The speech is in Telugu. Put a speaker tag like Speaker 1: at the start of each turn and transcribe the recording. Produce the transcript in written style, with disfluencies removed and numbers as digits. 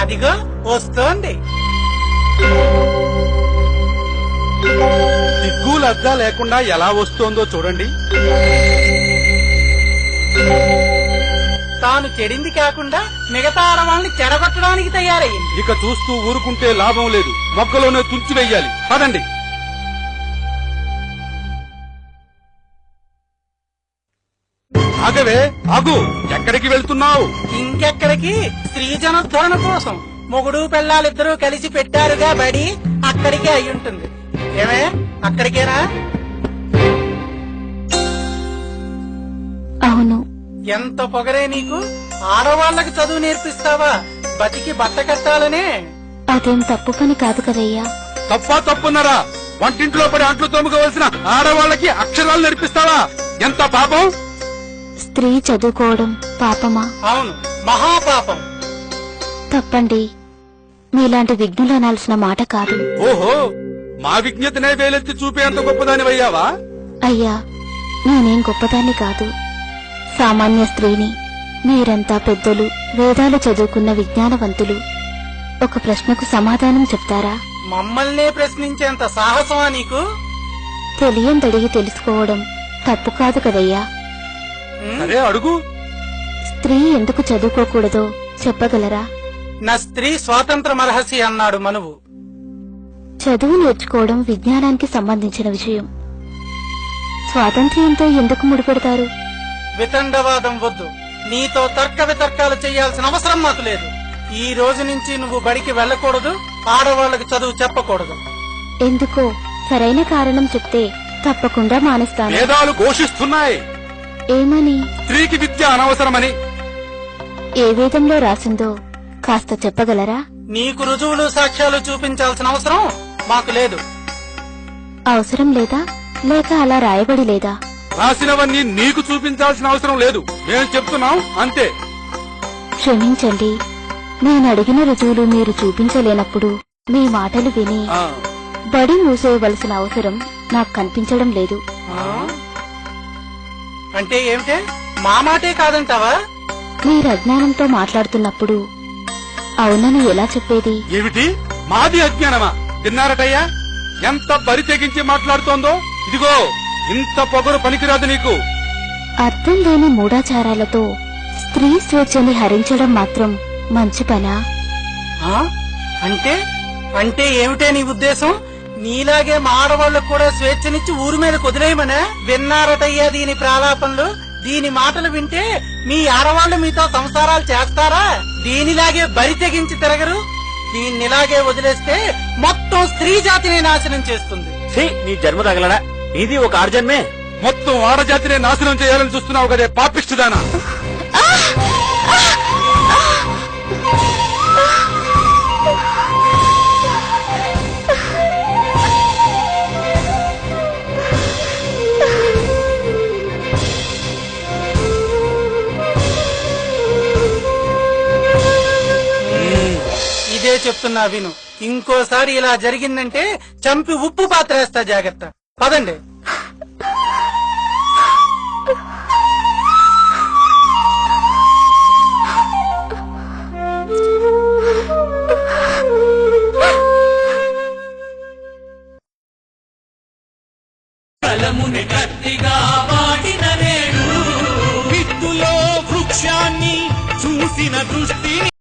Speaker 1: అదిగో వస్తోంది.
Speaker 2: సిగ్గు లజ్జ లేకుండా ఎలా వస్తోందో చూడండి.
Speaker 1: తాను చెడింది కాకుండా మిగతా ఆడవాళ్ళని చెడగొట్టడానికి తయారయ్యింది.
Speaker 2: ఇక చూస్తూ ఊరుకుంటే లాభం లేదు, మొక్కలోనే తుంచి వెయ్యాలి. పదండి. ఆగవే, ఆగు. ఎక్కడికి వెళ్తున్నావు?
Speaker 1: ఇంకెక్కడికి? స్త్రీజనోద్ధరణ కోసం మొగుడు పెళ్ళాలిద్దరూ కలిసి పెట్టారుగా బడి, అక్కడికే అయి ఉంటుంది. ఏమే, అక్కడికేనా?
Speaker 3: అవును.
Speaker 1: ఎంత పొగరే నీకు! ఆడవాళ్లకు చదువు నేర్పిస్తావా? బతికి బట్ట కట్టాలనే.
Speaker 3: అదేం తప్పు పని కాదు కదయ్యా.
Speaker 2: తప్పున్నారా? వంటింట్లో పడి అంట్లు తోముకోవలసిన ఆడవాళ్ళకి అక్షరాలు నేర్పిస్తావా? ఎంత పాపం!
Speaker 3: స్త్రీ చదువుకోవడం పాపమా?
Speaker 1: అవును, మహాపాపం.
Speaker 3: తప్పండి. మీలాంటి విఘ్నులు అనాల్సిన మాట కాదు.
Speaker 2: ఓహో, మా విజ్ఞతనే వేలెత్తి చూపేంత గొప్పదానివయ్యావా?
Speaker 3: అయ్యా, నేనేం గొప్పదాన్ని కాదు, సామాన్య స్త్రీని. మీరంతా పెద్దలు, వేదాలు చదువుకున్న విజ్ఞానవంతులు. ఒక ప్రశ్నకు సమాధానం చెప్తారా?
Speaker 1: మమ్మల్నే ప్రశ్నించేంత సాహసమా నీకు?
Speaker 3: తెలియందడిగి తెలుసుకోవడం తప్పు కాదు కదయ్యా.
Speaker 2: సరే, అడుగు.
Speaker 3: స్త్రీ ఎందుకు చదువుకోకూడదో చెప్పగలరా?
Speaker 1: నా స్త్రీ స్వాతంత్ర మరహసి అన్నాడు మనువు.
Speaker 3: చదువు నేర్చుకోవడం విజ్ఞానానికి సంబంధించిన విషయం. స్వాతంత్ర్యంతో ఎందుకు ముడిపెడతారు?
Speaker 1: వితండవాదం వద్దు. నీతో తర్క వితర్కాలు చేయాల్సిన అవసరం మాకు లేదు. ఈ రోజు నుంచి నువ్వు బడికి వెళ్ళకూడదు, ఆడవాళ్లకు చదువు చెప్పకూడదు.
Speaker 3: ఎందుకో సరైన కారణం చెప్తే తప్పకుండా మానేస్తాను.
Speaker 2: వేదాలు ఘోషిస్తున్నాయి.
Speaker 3: ఏమని?
Speaker 2: స్త్రీకి విద్య అనవసరమని.
Speaker 3: ఏ వేదంలో రాసిందో కాస్త చెప్పగలరా?
Speaker 1: నీకు రుజువులు సాక్ష్యాలు చూపించాల్సిన అవసరం మాకు లేదు.
Speaker 3: అవసరం లేదా, లేక అలా రాయబడి లేదా?
Speaker 2: రాసినవన్నీ నీకు చూపించాల్సిన అవసరం లేదు, మేము చెప్తున్నాం అంతే.
Speaker 3: క్షమించండి, నేను అడిగిన రుజువులు మీరు చూపించలేనప్పుడు మీ మాటలు విని బడి మూసేయవలసిన అవసరం నాకు కనిపించడం లేదు.
Speaker 1: అంటే ఏమిటే? మా మాటే కాదంటావా?
Speaker 3: మీరు అజ్ఞానంతో మాట్లాడుతున్నప్పుడు అవునని ఎలా చెప్పేది?
Speaker 2: ఏమిటి? మాది అజ్ఞానమా? తిన్నారటయ్యా, ఎంత బరి తెగించి మాట్లాడుతోందో. ఇదిగో, ఇంత పొగరు పనికిరాదు నీకు.
Speaker 3: అర్థం లేని మూఢాచారాలతో స్త్రీ స్వేచ్ఛని హరించడం మాత్రం మంచి పనా?
Speaker 1: అంటే అంటే ఏమిటే నీ ఉద్దేశం? నీలాగే మా ఆడవాళ్లకు కూడా స్వేచ్ఛనిచ్చి ఊరి మీద కుదిరేయమనే? విన్నారటయ్యా దీని ప్రాలాపనలు. దీని మాటలు వింటే మీ ఆడవాళ్లు మీతో సంసారాలు చేస్తారా? దీనిలాగే బరి తెగించి తిరగరు. దీన్నిలాగే వదిలేస్తే మొత్తం స్త్రీ జాతిని నాశనం చేస్తుంది.
Speaker 4: నీ జన్మ తగలడా? ఇది ఒక ఆర్జన్మే.
Speaker 2: మొత్తం ఆడజాతినే నాశనం చేయాలని చూస్తున్నావు కదే పాపిష్టిదానా?
Speaker 1: ఇదే చెప్తున్నా విను. ఇంకోసారి ఇలా జరిగిందంటే చంపి ఉప్పు పాత్ర వేస్తా, జాగ్రత్త. పదండి.
Speaker 5: కలముని గట్టిగా వాడిన నేడు విత్తులో వృక్షాన్ని చూసిన దృష్టిని